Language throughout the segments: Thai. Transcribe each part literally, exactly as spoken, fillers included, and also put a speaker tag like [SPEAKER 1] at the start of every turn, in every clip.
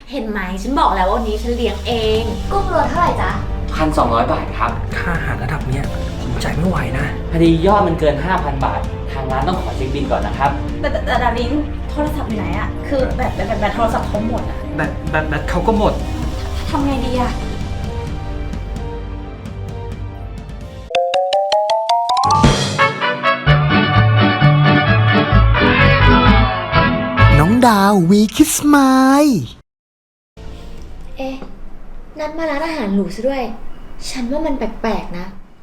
[SPEAKER 1] เห็นไหมฉันบอกแล้วว่าวันนี้ฉันเลี้ยงเองกุ้งโลเท่าไหร่จ๊ะ
[SPEAKER 2] พันสองร้อยบาทครับ
[SPEAKER 3] ค่าอาหารระดับเนี้ยผมจ่ายไม่ไหวนะ
[SPEAKER 2] พอดียอดมันเกิน ห้าพัน บาททางร้านต้องขอเช็คบิลก่อนนะครับ
[SPEAKER 1] แต่แต่ดาริงโทรศัพท์อยู่ไหนอะคือแบตแบตแบตโทรศัพท์เขาหมดอะ
[SPEAKER 3] แบตแบตแบตเขาก็หมด
[SPEAKER 1] ทำไงดีอะ
[SPEAKER 4] น้องดาววีคิสไมล์
[SPEAKER 5] เอ๊ะนัดมาร้านอาหารหรูซะด้วยฉันว่ามันแปลกๆนะ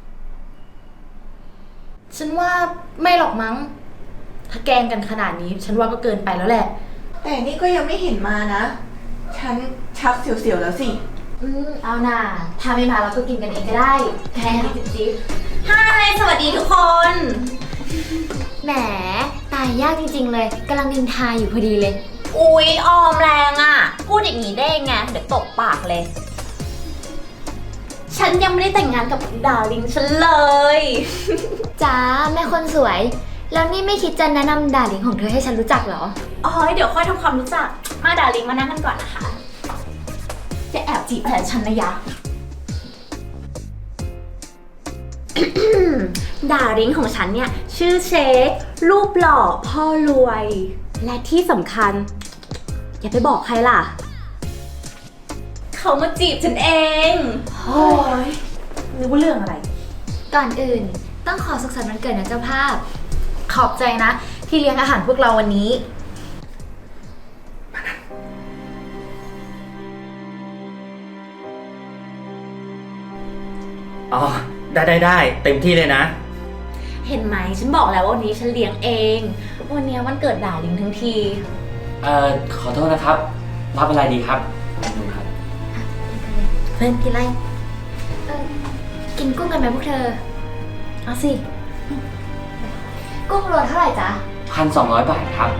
[SPEAKER 1] ฉันว่าไม่หรอกมั้งถ้าแกล้งกันขนาดนี้ฉันว่าก็เกินไปแล้วแหละ
[SPEAKER 6] แต่นี่ก็ยังไม่เห็นมานะฉันชักเสียวๆแล้วสิ
[SPEAKER 5] อืมเอาน่ะถ้าไม่มาเราก็กินกันเองก็ได้แค่นี้จิ๊บ
[SPEAKER 1] ฮายสวัสดีทุกคน
[SPEAKER 5] แหมตายยากจริงๆเลยกำลังนินทาอยู่พอดีเลย
[SPEAKER 1] อุ๊ยออมแรงอ่ะพูดอย่างนี้ได้ไงเดี๋ยวตบปากเลยฉันยังไม่ได้แต่งงานกับดาริงฉันเลย
[SPEAKER 5] จ้าแม่คนสวยแล้วนี่ไม่คิดจะแนะนำดาริงของเธอให้ฉันรู้จักเหรอ
[SPEAKER 1] อ๋อเดี๋ยวค่อยทำความรู้จักมาดาริงมานั่งกันก่อนนะคะจะแอบจีบแฟนฉันนะยะ ดาริงของฉันเนี่ยชื่อเชครูปหล่อพ่อรวยและที่สำคัญอย่าไปบอกใครล่ะเขามาจีบฉันเองโอ้ยนึกว่าเรื่องอะไร
[SPEAKER 5] ก่อนอื่นต้องขอสุขสันต์วันเกิดนะเจ้าภาพ
[SPEAKER 1] ขอบใจนะที่เลี้ยงอาหารพวกเราวันนี้
[SPEAKER 3] อ๋อได้ได้ได้เต็มที่เลยนะ
[SPEAKER 1] เห็นไหมฉันบอกแล้วว่าวันนี้ฉันเลี้ยงเองวันนี้วันเกิดดาริงทั้งที
[SPEAKER 2] เอ่อขอโทษนะครับรับอะไรดีครับดูครับ
[SPEAKER 1] เพื่อนกินอะไร
[SPEAKER 5] เออกินกุ้งกันไหมพวกเธอ
[SPEAKER 1] เอาสิ
[SPEAKER 5] กุ้งโลเท่าไหร่จ๊ะ
[SPEAKER 2] พันสองร้อยบาทครับ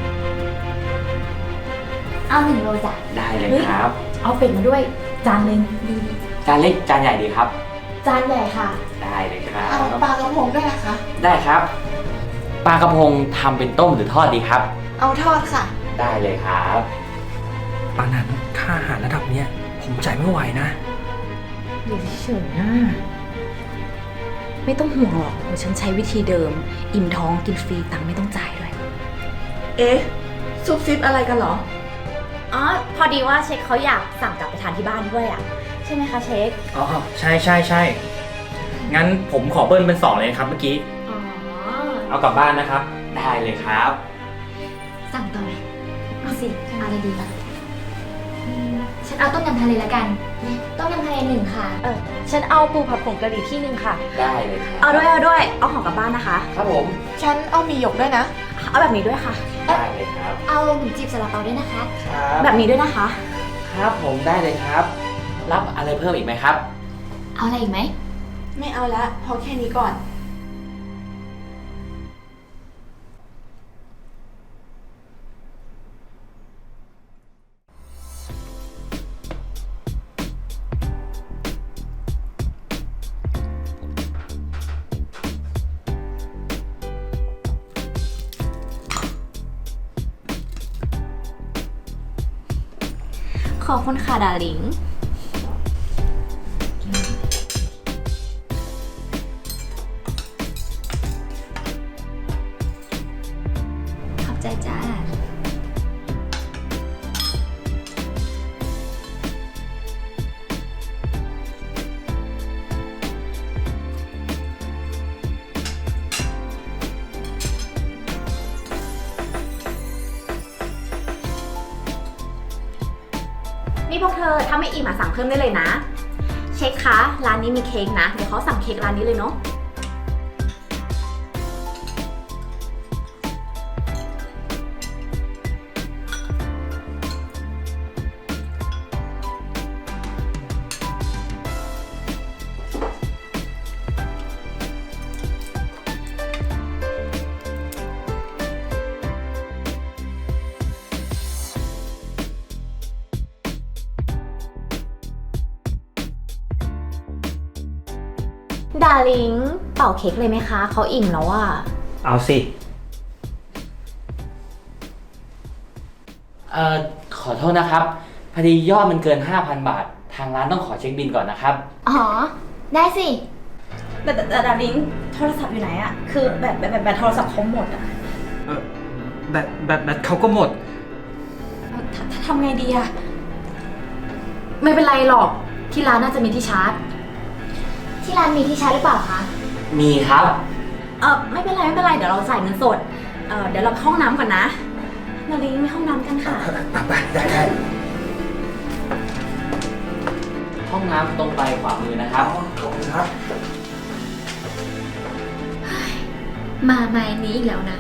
[SPEAKER 5] เอาหนึ่งโลจ้ะ
[SPEAKER 2] ได้เลยครับ
[SPEAKER 1] เอาเป็ดมาด้วยจานนึง
[SPEAKER 2] จานเล็กจานใหญ่ดีครับ
[SPEAKER 1] จานใหญ่ค่ะ
[SPEAKER 2] ได้เลยครับ
[SPEAKER 6] เอาปลากระพงด้วยนะคะ
[SPEAKER 2] ได้ครับปลากระพงทำเป็นต้มหรือทอดดีครับ
[SPEAKER 6] เอาทอดค่ะ
[SPEAKER 2] ได้เลยครับ
[SPEAKER 3] ปานั้นค่าอาหารระดับเนี้ยผมจ่ายไม่ไหวนะ
[SPEAKER 1] อยู่เฉยๆนะไม่ต้องห่วงหรอกเดี๋ยวฉันใช้วิธีเดิมอิ่มท้องกินฟรีตังค์ไม่ต้องจ่ายด้วย
[SPEAKER 6] เอ๊ะซุบซิบอะไรกันเหรอ
[SPEAKER 1] อ๋อพอดีว่าเช็คเขาอยากสั่งกลับไปทานที่บ้านด้วยอ่ะใช่ไหมคะเช็ค
[SPEAKER 3] อ๋อใช่ใช่ใช่งั้นผมขอเบิ้ลเป็นสองเลยครับเมื่อกี้
[SPEAKER 1] อ๋อ
[SPEAKER 3] เอากลับบ้านนะครับ
[SPEAKER 2] ได้เลยครับ
[SPEAKER 5] สั่งต่อไหมเอาสิเอาอะไรดีล่ะฉันเอาต้มยำทะเลแล้วกันต้มยำทะเลหนึ่งค่ะ
[SPEAKER 1] เออฉันเอาปูผัดผงกะหรี่ที่หนึ่งค่ะ
[SPEAKER 2] ได้เลยครับ
[SPEAKER 1] เอาด้วยเอาด้วยเอาของกลับบ้านนะคะ
[SPEAKER 2] ครับผม
[SPEAKER 6] ฉันเอามีหยกด้วยนะ
[SPEAKER 1] เอาแบบนี้ด้วยค่ะ
[SPEAKER 2] ได้เลยครับ
[SPEAKER 5] เอาหมูจีบซาลาเปาด้วยนะคะ
[SPEAKER 2] ครับ
[SPEAKER 1] แบบนี้ด้วยนะคะ
[SPEAKER 2] ครับผมได้เลยครับรับอะไรเพิ่มอีกไหมครับ
[SPEAKER 5] เอาอะไรอีกไหม
[SPEAKER 6] ไม่เอาละพอแค่นี้ก่อน
[SPEAKER 1] ขอบคุณค่ะดาริง
[SPEAKER 5] ขอบใจจ้า
[SPEAKER 1] นี่พวกเธอถ้าไม่อิ่มมาสั่งเพิ่มได้เลยนะเช็คคะร้านนี้มีเค้กนะเดี๋ยวเขาสั่งเค้กร้านนี้เลยเนาะดาริงเป่าเค้กเลยไหมคะเขาอิ่มแล้วอ่ะ
[SPEAKER 3] เอาสิ
[SPEAKER 2] เอ่อขอโทษนะครับพอดียอดมันเกิน ห้าพัน บาท ทางร้านต้องขอเช็คบิลก่อนนะครับ
[SPEAKER 5] อ๋อ ได้สิ
[SPEAKER 1] แต่แต่แต่ดาริงโทรศัพท์อยู่ไหนอะคือแบตแบตแบตแบตโทรศัพท์เขาหมดอะ
[SPEAKER 3] เออแบตแบตแบตเขาก็หมด
[SPEAKER 1] เอ่อททำไงดีอะ
[SPEAKER 5] ไม่เป็นไรหรอก ที่ร้านน่าจะมีที่ชาร์จ ที่ร้านมีที่ชาร์จหรือเปล่าคะ
[SPEAKER 2] มีครับ
[SPEAKER 1] เออไม่เป็นไรไม่เป็นไรเดี๋ยวเราจ่ายเงินสดเออเดี๋ยวเราไปห้องน้ำก่อนนะดาริงไปห้องน้ำกันค่ะ
[SPEAKER 3] ไปได้ได้
[SPEAKER 2] ห้องน้ำตรงไปขวามือนะครับ
[SPEAKER 3] ขอบคุณครับ
[SPEAKER 5] มาไม้นี้อีกแล้วนะ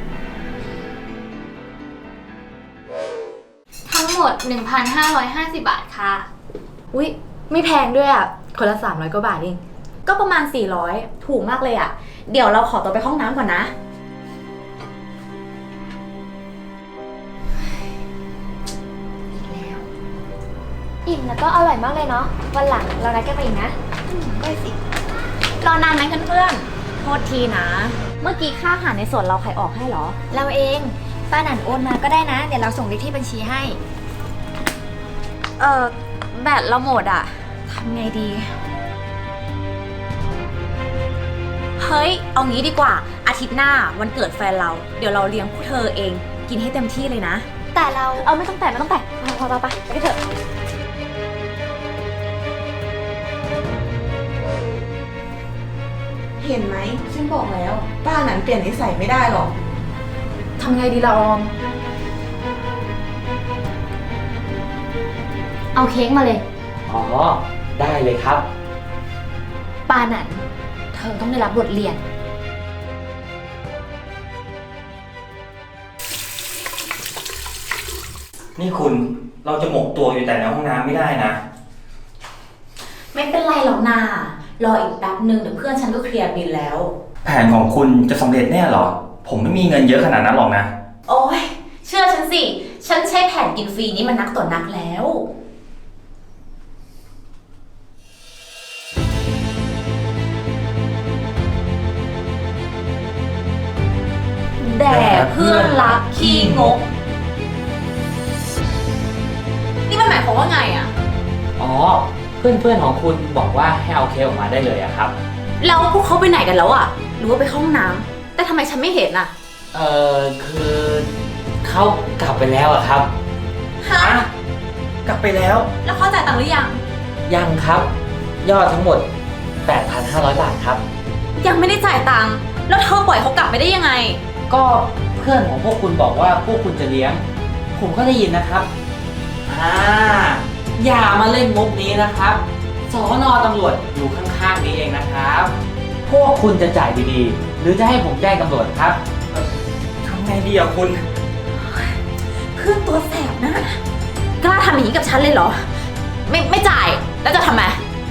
[SPEAKER 5] ทั้งหมด หนึ่งพันห้าร้อยห้าสิบ บาทค่ะ
[SPEAKER 1] อุ๊ยไม่แพงด้วยอะคนละสามร้อยกว่าบาทเองก็ประมาณสี่ร้อยถูกมากเลยอะเดี๋ยวเราขอตัวไปห้องน้ำก่อนนะ
[SPEAKER 5] อิ่มแล้วก็อร่อยมากเลยเนาะ วันหลังเรานัดกันไปอีกนะ
[SPEAKER 1] ได้สิ รอนานไหมเพื่อนๆโทษทีนะ เมื่อกี้ค่าอาหารในส่วนเราใครออกให้เหรอ
[SPEAKER 5] เราเอง ป้าหนันโอนมาก็ได้นะ เดี๋ยวเราส่งเลขที่บัญชีให้
[SPEAKER 1] เออแบตเราหมดอะทำไงดี เฮ้ย เอางี้ดีกว่า อาทิตย์หน้าวันเกิดแฟนเรา เดี๋ยวเราเลี้ยงพวกเธอเอง กินให้เต็มที่เลยนะ
[SPEAKER 5] แต่เรา
[SPEAKER 1] เออไม่ต้องแต่ไม่ต้องแต่ไปไปไปไปไปเถอะ
[SPEAKER 6] เห็นไหมฉันบอกแล้ว ป้านั้นเปลี่ยนนิสัยไม่ได้หรอก
[SPEAKER 1] ทำไงดีล่ะออม
[SPEAKER 5] เอาเค้กมาเลย
[SPEAKER 2] อ๋อ ได้เลยครับ
[SPEAKER 5] ป้าหนัน เธอต้องได้รับบทเรียน
[SPEAKER 3] นี่คุณเราจะหมกตัวอยู่แต่ในห้องน้ำไม่ได้นะ
[SPEAKER 1] ไม่เป็นไรหรอกนารออีกแป๊บนึงเดี๋ยวเพื่อนฉันก็เคลียร์บิลแล้ว
[SPEAKER 3] แผนของคุณจะสำเร็จแน่เหรอ ผมไม่มีเงินเยอะขนาดนั้นหรอกนะ
[SPEAKER 1] โอ้ยเชื่อฉันสิ ฉันใช้แผนกินฟรีนี้มันนักต่อนักแล้ว แด่เพื่อนรักขี้งก นี่มันหมายความว่าไงอะ
[SPEAKER 2] อ๋อ เพื่อนๆของคุณบอกว่าให้เอาเค้กออกมาได้เลยอะครับ
[SPEAKER 1] แล้วพวกเขาไปไหนกันแล้วอะหรือว่าไปเข้าห้องน้ำแต่ทำไมฉันไม่เห็นอะ
[SPEAKER 2] เอ่อ คือเขากลับไปแล้วอะครับ
[SPEAKER 1] ฮะ
[SPEAKER 3] กลับไปแล้ว
[SPEAKER 1] แล้วเขาจ่ายตังค์หรือยัง
[SPEAKER 2] ยังครับ ยอดทั้งหมด แปดพันห้าร้อย บาทครับ
[SPEAKER 1] ยังไม่ได้จ่ายตังค์แล้วเธอปล่อยเขากลับไปได้ยังไง
[SPEAKER 2] ก็เพื่อนของพวกคุณบอกว่าพวกคุณจะเลี้ยง ผมก็ได้ยินนะครับ อ่า อย่ามาเล่นมุกนี้นะครับสน.ตำรวจอยู่ข้างๆนี้เองนะครับ พวกคุณจะจ่ายดีๆ หรือจะให้ผมแจ้งตำรวจครับ
[SPEAKER 3] ทำไงดีอะคุณ
[SPEAKER 1] เพื่อนตัวแสบนะกล้าทำอย่างนี้กับฉันเลยเหรอ ไม่ไม่จ่ายแล้วจะทำไม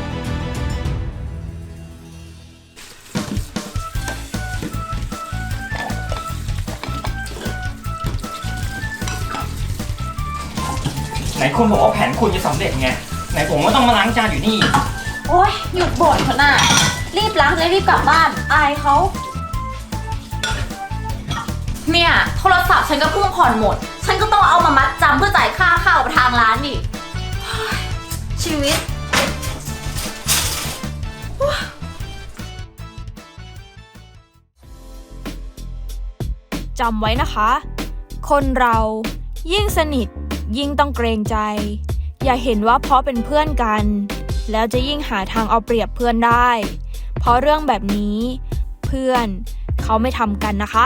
[SPEAKER 3] ไหนคุณบอกว่าแผนคุณจะสำเร็จไง ไหนผมก็ต้องมาล้างจานอยู่นี่
[SPEAKER 1] โอ๊ยหยุดบ่นเถอะน่ะรีบล้างจะได้รีบกลับบ้าน อายเขาเนี่ยโทรศัพท์ฉันก็เพิ่งผ่อนหมด ฉันก็ต้องเอามามัดจำเพื่อจ่ายค่าข้าวทางร้านนี่เฮ้ยชีวิต
[SPEAKER 7] จำไว้นะคะ คนเรายิ่งสนิทยิ่งต้องเกรงใจ อย่าเห็นว่าเพราะเป็นเพื่อนกัน แล้วจะยิ่งหาทางเอาเปรียบเพื่อนได้ เพราะเรื่องแบบนี้เพื่อนเขาไม่ทำกันนะคะ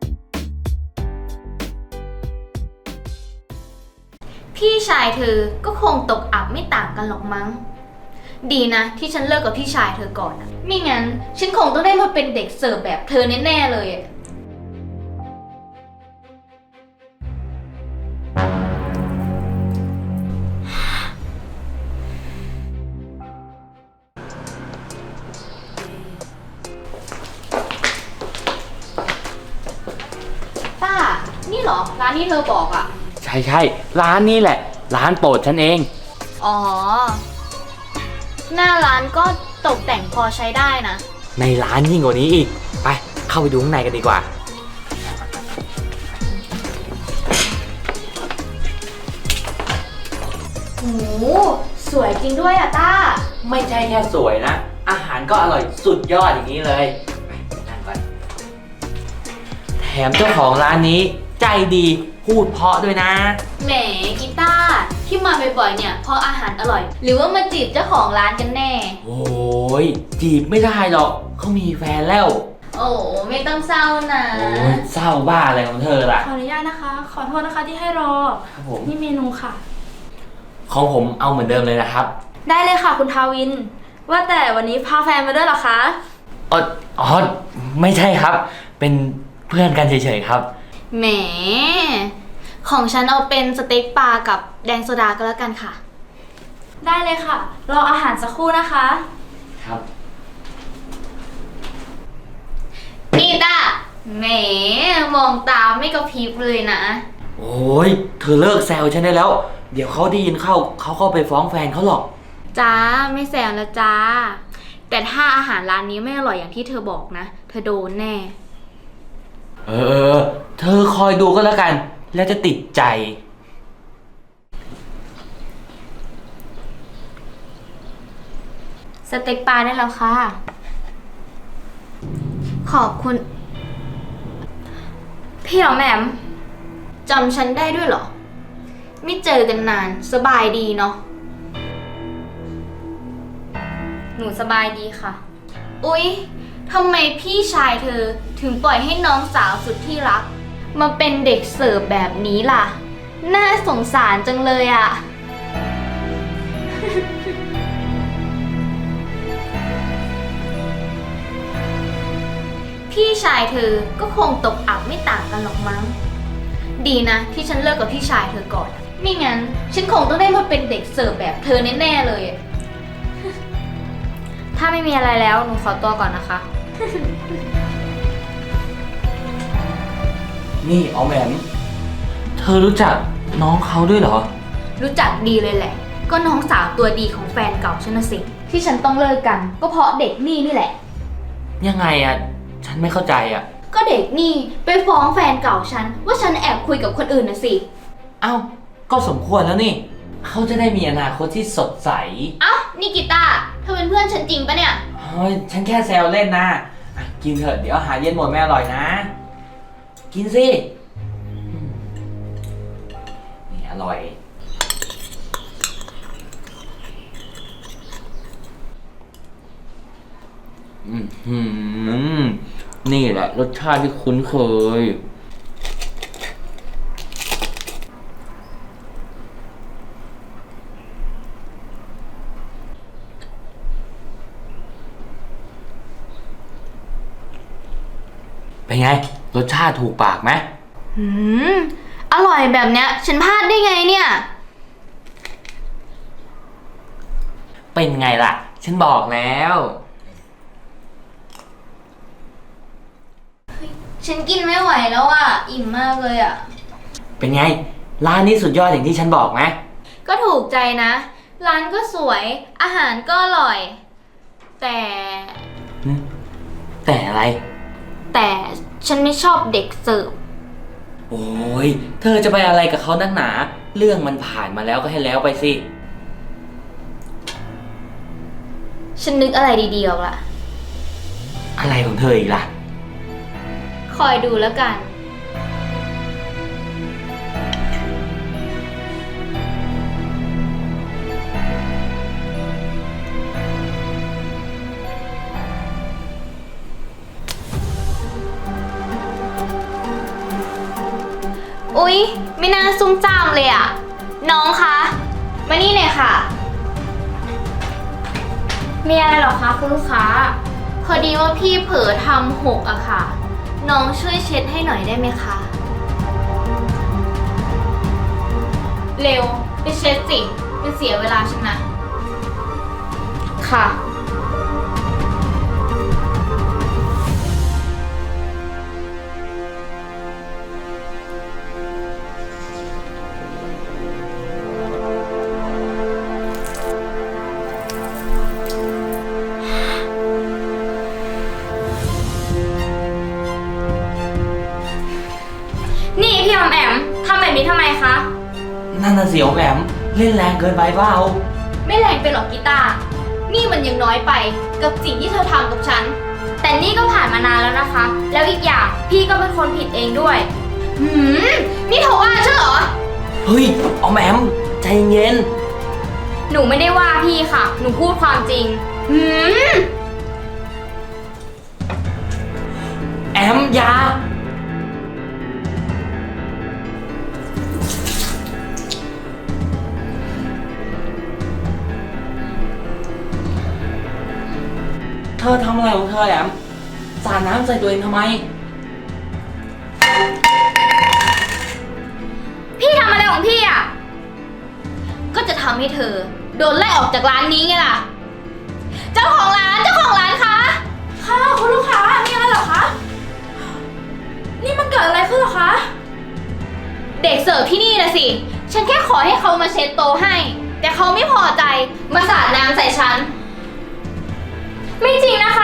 [SPEAKER 5] พี่ชายเธอก็คงตกอับไม่ต่างกันหรอกมั้ง ดีนะที่ฉันเลิกกับพี่ชายเธอก่อนนะไม่งั้นฉันคงต้องได้มาเป็นเด็กเสิร์ฟแบบเธอแน่ๆเลยอะ ป้า นี่เหรอ ร้านที่เธอบอกอะ
[SPEAKER 2] ใช่ใช่ๆร้านนี้แหละ ร้านโปรดฉันเอง
[SPEAKER 5] อ๋อ หน้าร้านก็ตกแต่งพอใช้ได้นะ
[SPEAKER 2] ในร้านยิ่งกว่านี้อีก ไป เข้าไปดูข้างในกันดีกว่า
[SPEAKER 5] นโหสวยจริงด้วยอะต้า
[SPEAKER 2] ไม่ใช่แค่สวยนะ อาหารก็อร่อยสุดยอดอย่างนี้เลยไปนั่งก่อนแถมเจ้าของร้านนี้ใจดีพูดเพราะด้วยนะ
[SPEAKER 5] แหมกีตาร์ที่มาบ่อยๆเนี่ยเพราะอาหารอร่อย หรือว่ามาจีบเจ้าของร้านกันแน่
[SPEAKER 2] โอ้ยจีบไม่ได้หรอกเขามีแฟนแล้ว
[SPEAKER 5] โอ้ไม่ต้องเศร้านะ
[SPEAKER 2] โอ้ยเศร้าบ้าอะไรของเธอล่ะ
[SPEAKER 7] ขออนุญาตนะคะ ขอโทษนะคะที่ให้รอ
[SPEAKER 2] ครับผม
[SPEAKER 7] นี่เมนูค่ะ
[SPEAKER 2] ของผมเอาเหมือนเดิมเลยนะครับ
[SPEAKER 7] ได้เลยค่ะคุณทาวิน ว่าแต่วันนี้พาแฟนมาด้วยเหรอคะ
[SPEAKER 2] อ๋ออ๋อไม่ใช่ครับ เป็นเพื่อนกันเฉยๆครับ
[SPEAKER 5] แหม ของฉันเอาเป็นสเต็กปลากับแดงโซดาก็แล้วกันค่ะ
[SPEAKER 7] ได้เลยค่ะ รออาหารสักครู่นะคะ
[SPEAKER 2] ครับ
[SPEAKER 5] นี่ต้าแหม มองตาไม่กระพริบเลยนะ
[SPEAKER 2] โอ้ยเธอเลิกแซวฉันได้แล้ว เดี๋ยวเขาได้ยินเข้าเขาก็ไปฟ้องแฟนเขาหรอก
[SPEAKER 5] จ้าไม่แซวแล้วจ้า แต่ถ้าอาหารร้านนี้ไม่อร่อยอย่างที่เธอบอกนะ เธอโดนแน่
[SPEAKER 2] เออ เธอคอยดูก็แล้วกัน แล้วจะติดใจ
[SPEAKER 5] สเต็กปลาได้แล้วค่ะ ขอบคุณ พี่หรอแหม่มจำฉันได้ด้วยเหรอ ไม่เจอกันนานสบายดีเนาะ หนูสบายดีค่ะ อุ๊ยทำไมพี่ชายเธอถึงปล่อยให้น้องสาวสุดที่รัก มาเป็นเด็กเสิร์ฟแบบนี้ล่ะ น่าสงสารจังเลยอะ พี่ชายเธอก็คงตกอับไม่ต่างกันหรอกมั้ง ดีนะที่ฉันเลิกกับพี่ชายเธอก่อน ไม่งั้นฉันคงต้องได้มาเป็นเด็กเสิร์ฟแบบเธอแน่ๆเลย ถ้าไม่มีอะไรแล้วหนูขอตัวก่อนนะคะ
[SPEAKER 2] นี่อ๋อแหมมเธอรู้จักน้องเขาด้วยเหรอ
[SPEAKER 5] รู้จักดีเลยแหละ ก็น้องสาวตัวดีของแฟนเก่าฉันนะสิ ที่ฉันต้องเลิกกัน ก็เพราะเด็กนี่นี่แหละ
[SPEAKER 2] ยังไงอะฉันไม่เข้าใจอะ
[SPEAKER 5] ก็เด็กนี่ไปฟ้องแฟนเก่าฉันว่าฉันแอบคุยกับคนอื่นนะสิ
[SPEAKER 2] เอ้าก็สมควรแล้วนี่ เขาจะได้มีอนาคตที่สดใส
[SPEAKER 5] เอ้านี่กีตาร์เธอเป็นเพื่อนฉันจริงปะเนี่ย
[SPEAKER 2] เฮ้ยฉันแค่แซวเล่นนะอ่ะกินเถอะเดี๋ยวอาหารเย็นหมดไม่อร่อยนะ กินสิอืมนี่อร่อย อืมหืมนี่แหละรสชาติที่คุ้นเคย เป็นไง รสชาติถูกปากไหม
[SPEAKER 5] หืม อร่อยแบบเนี้ย ฉันพลาดได้ไงเนี่ย
[SPEAKER 2] เป็นไงล่ะ ฉันบอกแล้ว
[SPEAKER 5] ฉันกินไม่ไหวแล้วอ่ะ อิ่มมากเลยอ่ะ
[SPEAKER 2] เป็นไง ร้านนี้สุดยอดอย่างที่ฉันบอกไหม
[SPEAKER 5] ก็ถูกใจนะ ร้านก็สวย อาหารก็อร่อย แต่
[SPEAKER 2] หึแต่อะไร
[SPEAKER 5] แต่ฉันไม่ชอบเด็กเสิร์ฟ
[SPEAKER 2] โอ้ย เธอจะไปอะไรกับเขานักหนา เรื่องมันผ่านมาแล้วก็ให้แล้วไปสิ
[SPEAKER 5] ฉันนึกอะไรดีๆออกละ
[SPEAKER 2] อะไรของเธออีกล่ะ
[SPEAKER 5] คอยดูแล้วกัน อุ๊ย ไม่น่าซุ่มซ่ามเลยอ่ะ น้องคะ มานี่หน่อยค่ะ มีอะไรหรอคะคุณลูกค้า พอดีว่าพี่เผลอทำหกอะค่ะ น้องช่วยเช็ดให้หน่อยได้ไหมคะ เร็ว ไปเช็ดสิมันเสียเวลาฉันนะ ค่ะ นี่พี่ออมแอมทำแบบนี้ทำไมคะ
[SPEAKER 2] นั่นน่ะเสียวแหมมเล่นแรงเกินไปเปล่า
[SPEAKER 5] ไม่แรงไปหรอกกีตาร์นี่มันยังน้อยไปกับสิ่งที่เธอทำกับฉัน แต่นี่ก็ผ่านมานานแล้วนะคะ แล้วอีกอย่างพี่ก็เป็นคนผิดเองด้วย หืม นี่เธอว่าฉันเหรอ
[SPEAKER 2] เฮ้ยออมแอมใจเย็น
[SPEAKER 5] หนูไม่ได้ว่าพี่ค่ะ หนูพูดความจริง หืม
[SPEAKER 2] แอมอยาเธอทำอะไรของเธอแอมสาดน้ำใส่ตัวเองทำไม
[SPEAKER 5] พี่ทำอะไรของพี่อ่ะ ก็จะทำให้เธอ โดนไล่ออกจากร้านนี้ไงล่ะ เจ้าของร้าน เจ้าของร้านคะ
[SPEAKER 7] ค่ะคุณลูกค้ามีอะไรเหรอคะ นี่มันเกิดอะไรขึ้นเหรอคะ
[SPEAKER 5] เด็กเสิร์ฟที่นี่นะสิ ฉันแค่ขอให้เขามาเช็ดโต๊ะให้ แต่เขาไม่พอใจ มาสาดน้ำใส่ฉัน ไม่จริงนะคะ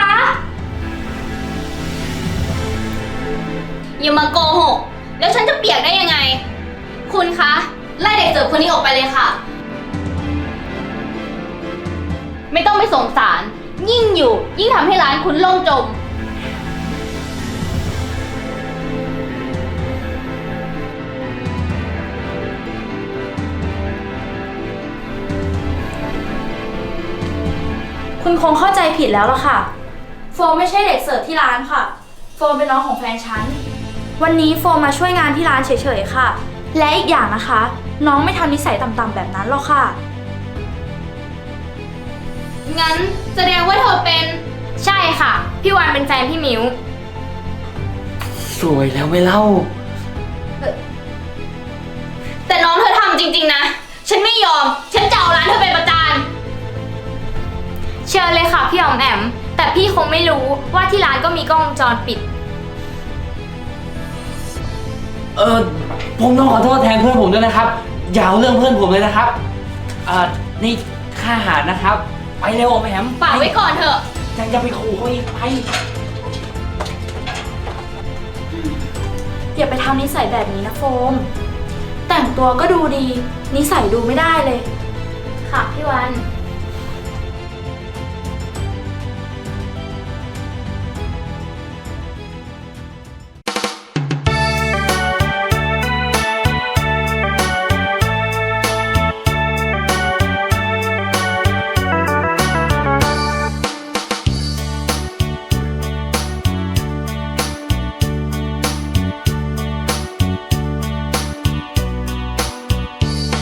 [SPEAKER 5] อย่ามาโกหก แล้วฉันจะเปียกได้ยังไง คุณคะ ไล่เด็กเสิร์ฟคนนี้ออกไปเลยค่ะ ไม่ต้องไปสงสาร ยิ่งอยู่ ยิ่งทำให้ร้านคุณล่มจม
[SPEAKER 7] คุณคงเข้าใจผิดแล้วล่ะค่ะ โฟมไม่ใช่เด็กเสิร์ฟที่ร้านค่ะ โฟมเป็นน้องของแฟนฉัน วันนี้โฟมมาช่วยงานที่ร้านเฉยๆค่ะ และอีกอย่างนะคะ น้องไม่ทำนิสัยต่ำๆแบบนั้นหรอกค่ะ
[SPEAKER 5] งั้นแสดงว่าเธอเป็น ใช่ค่ะ พี่วานเป็นแฟนพี่มิว
[SPEAKER 2] สวยแล้วไม่เล่า
[SPEAKER 5] แต่น้องเธอทำจริงๆนะ ฉันไม่ยอม ฉันจะเอาร้านเธอไปประจาน เชิญเลยค่ะพี่อ๋อมแอม แต่พี่คงไม่รู้ว่าที่ร้านก็มีกล้องวงจรปิด
[SPEAKER 2] เออผมต้องขอโทษแทนเพื่อนผมด้วยนะครับ อย่าเอาเรื่องเพื่อนผมเลยนะครับเอ่อนี่ค่าอาหารนะครับ ไปเร็วออมแอม
[SPEAKER 5] ฝากไว้ก่อนเถอะ
[SPEAKER 2] ยังจะไปขู่เขาอีกไป
[SPEAKER 7] อย่าไปทำนิสัยแบบนี้นะโฟม แต่งตัวก็ดูดี นิสัยดูไม่ได้เลย
[SPEAKER 5] ค่ะพี่วัน